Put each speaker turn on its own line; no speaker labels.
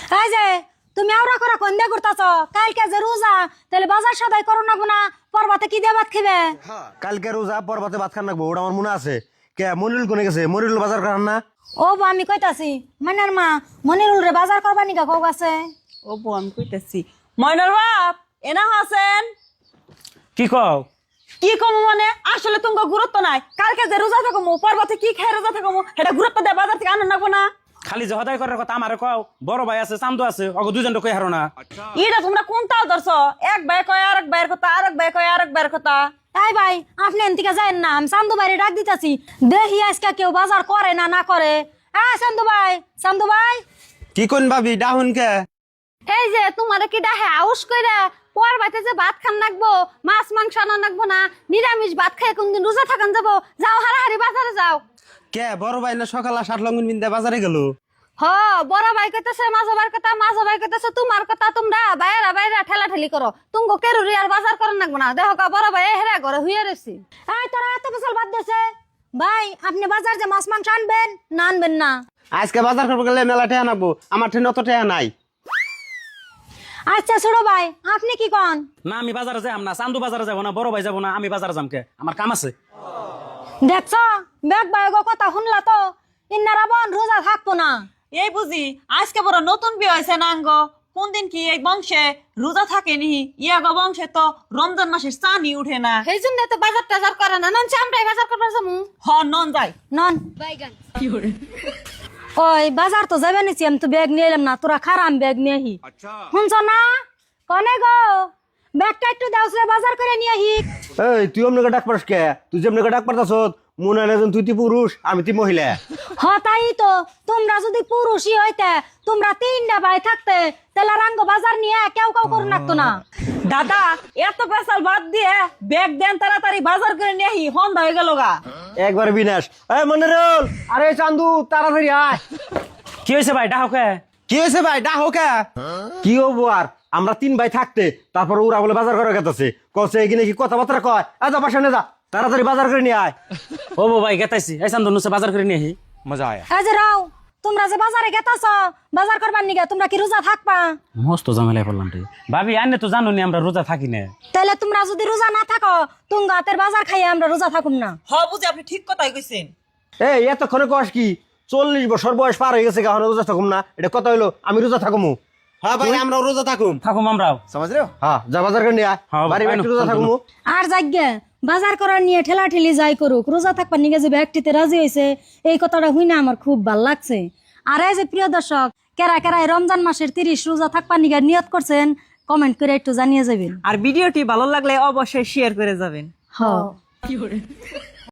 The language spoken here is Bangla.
এই যে তুমি আওরা করা কোন দিয়ে করতেছ? কালকে যে রোজা, তাহলে বাজার সদাই করো না গুনা, পরবাতে কি দিয়ে ভাত খাবে?
কালকে রোজা পরবাতে ভাত খান রাখবো, ওটা আমার মনে আছে। কে মনিরুল কোনে গেছে? মনিরুল বাজার করান না?
ও বউ, আমি কইতাছি মানের মা মনিরুল রে বাজার করবা নিকা কও আছে।
ও বউ আমি কইতেছি ময়নার বাপ এনা হাসেন।
কি কও?
কি কম মানে আসলে তুমি গুরুত্ব নাই। কালকে যে রোজা থাকবো পর্বতে কি খেয়ে রোজা থাকবো এটা গুরুত্ব দেয় বাজার থেকে আনন্দ নাকবো না।
খালি যে হদাই করার কথা আমারে কও। বড় ভাই আছে, চান্দু আছে, অগো দুইজন কই হারো না।
এটা তোমরা কোন তাল ধরছো? এক ভাই কয় আরেক ভাইয়ের কথা, আরেক ভাই কয় আরেক ভাইয়ের কথা।
এই ভাই, আপনি এনতিকে যায়েন না, আমি চান্দু বাইরে ডাক দিতেছি। দেখি আজকে কেউ বাজার করে না না করে। হ্যাঁ চান্দু ভাই, চান্দু ভাই।
কি কোন ভাবি ডাহুন কে?
এই যে তোমার কি ডাহে আউস কইরা পরবাতে যে ভাত খান নাকবো, মাছ মাংস আনা নাকবো না, নিরামিষ ভাত খাই কোনদিন রোজা থাকান যাবো। যাও হারাহারি বাজারে যাও।
কে বড় ভাই না সকালে শার্ট লঙ্গন বিন্দা বাজারে গেল?
হ, বড় ভাই কইতেছে মাঝ ভাইয়ের কথা, মাঝ ভাই কইতেছে তোমার কথা। তোমরা বাইরা বাইরা ঠেলা ঠেলি করো, তুমগো কেরুরি আর বাজার করেন নাকবো না। দেখো কা বড় ভাই হেরা ঘরে হুইয়া রয়েছি। এই তোরা এত বছর বাদ দেছে ভাই, আপনি বাজার যে মাছ মাংস আনবেন না আনবেন না?
আজকে বাজার করবো গেলে মেলা টেয়া নাকবো, আমার ঠেন অত টেয়া নাই।
আচ্ছা ছোট ভাই, আপনি কি কন?
না আমি বাজারে যাই না, চান্দু বাজারে যাব না, বড় ভাই যাব না, আমি বাজারে যামকে, আমার কাম আছে।
দেখছ বেগ ভাই গো কথা শুনলা তো, ইন্নারা বোন রোজা থাকবো না।
এই বুঝি আজকে বড় নতুন বিয়ে হয়েছে নাঙ্গ। কোন দিন কি এই বংশে রোজা থাকেনি? ইয়াগো বংশে তো রমজান মাসের চানি উঠে না।
সেই জন্য তো বাজার টাজার করে না। নন চামড়াই বাজার করবার যাবো।
হ নন যাই
নন ওই বাজার তো যাবে নিছি, আমি তো ব্যাগ নিয়ে এলাম না, তোরা খারাম ব্যাগ নিয়ে আহি। শুনছ না কনে গো, ব্যাগটা একটু দাও সে বাজার করে নিয়ে আহি।
এই তুই অমনকে ডাক পারস কে? তুই যেমনকে ডাক পারতাস মনে হয় না তুই তুই পুরুষ, আমি তুই মহিলা।
হ তাই তো, তোমরা যদি পুরুষই হইতে, তোমরা তিনটা ভাই থাকতে, তাহলে রাঙ্গ বাজার নিয়ে কেউ কেউ করে রাখতো না।
দাদা এত পেশাল বাদ দিয়ে ব্যাগ দেন তাড়াতাড়ি বাজার করে নিয়ে আহি, সন্ধ্যা হয়ে গেল গা।
একবার বিনাশ। এই মনিরুল, আরে চান্দু তাড়াতাড়ি আয়।
কি হয়েছে ভাই ডাহকে?
কি হয়েছে ভাই ডাহো কে? কি হবো আর, আমরা তিন ভাই থাকতে তারপর ওরা বলে বাজার করে গেছে, কছে এখানে কি কথাবার্তা কয়? যা পাশে যা, তাড়াতাড়ি বাজার করে নিয়ে আয়।
ও ভাই গেতাইছি, এই চান্দু নুসে বাজার করে নিয়ে আহি।
মজা আয়।
এই যে রাও, তোমরা যে বাজারে গেতাছ বাজার করবার নিগে, তোমরা কি রোজা থাকবা?
মস্ত ঝামেলায় পড়লাম রে ভাবি। আনে তো জানো নি আমরা রোজা থাকি না।
তাহলে তোমরা যদি রোজা না থাকো, তুঙ্গা হাতের বাজার খাইয়ে আমরা রোজা থাকুম না।
হ বুঝি আপনি ঠিক কথাই কইছেন।
এই এতক্ষণে কস কি? 40 বছর বয়স পার হয়ে গেছে, এখন রোজা থাকুম না? এটা কথা হইলো আমি রোজা থাকুমু? হ্যাঁ ভাই আমরা রোজা থাকুম।
থাকুম আমরাও।
সমাজ রে, হ্যাঁ যা বাজার করে নিয়ে আয়।
হ্যাঁ,
বাড়ি
আইনো,
একটু রোজা থাকুমু।
আর যাগ্যা বাজার করার নিয়ে ঠেলা ঠেলি যাই করুক, রোজা থাকবার নিগে যে ব্যক্তিতে রাজি হয়েছে, এই কথাটা শুই না আমার খুব ভাল লাগছে। আর এই যে প্রিয় দর্শক, কেরা কেরা এই রমজান মাসের 30 রোজা থাকবার নিগে নিয়ত করছেন, কমেন্ট করে একটু জানিয়ে যাবেন।
আর ভিডিওটি ভালো লাগলে অবশ্যই শেয়ার করে যাবেন।
হ্যাঁ।